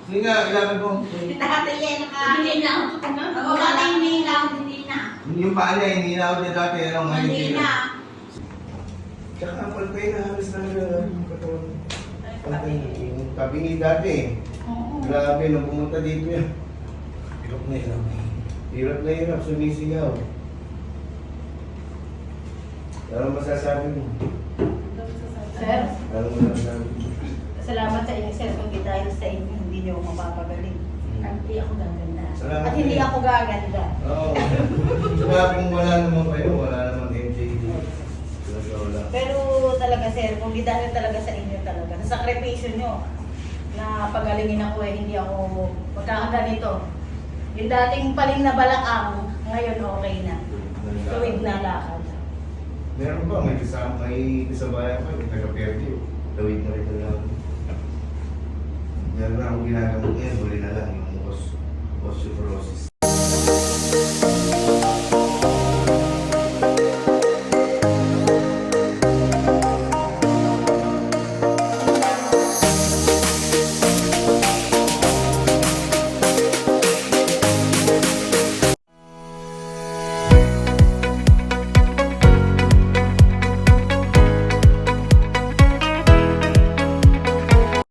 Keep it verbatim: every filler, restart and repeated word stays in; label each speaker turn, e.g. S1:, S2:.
S1: Sige nga, ilapit mo.
S2: Dati yan naka...
S3: Hindi na ako na.
S2: Oo, dati hindi lang, hindi na.
S1: Yung paa niya, hindi na ako niya dati. Ano, ngayon
S2: Hindi
S1: hindi
S2: na.
S1: na. Tsaka ang palpay na halos talaga yung katawan. Palpay na. Yung kabingi dati.
S3: Oo.
S1: Grabe, nung pumunta dito yan. Hirap na hirap. Hirap na hirap, sumisigaw. Ano masasabi mo?
S3: Sir,
S1: Ano masasabi mo?
S3: salamat sa inyo, sir. Kung di dahil sa inyo, hindi niyo ako mapapagaling. At hindi ako gaganda.
S1: Salamat
S3: At hindi
S1: din.
S3: ako gaganda.
S1: Oo. Saka kung wala naman kayo, wala naman M J D. Talaga wala.
S3: Pero talaga, sir, kung di dahil talaga sa inyo talaga, sa sakripisyo nyo, na pagalingin ako eh, hindi ako magkakaganito. Yung dating paling na balakang, ngayon okay na. Tuwid na lakad.
S1: Meron ba? May kasama, may kasabayan pa, may taga-perdi. Tawid na rin na lang. Meron na akong ginagamot ngayon, huli na lang yung os- osteoporosis.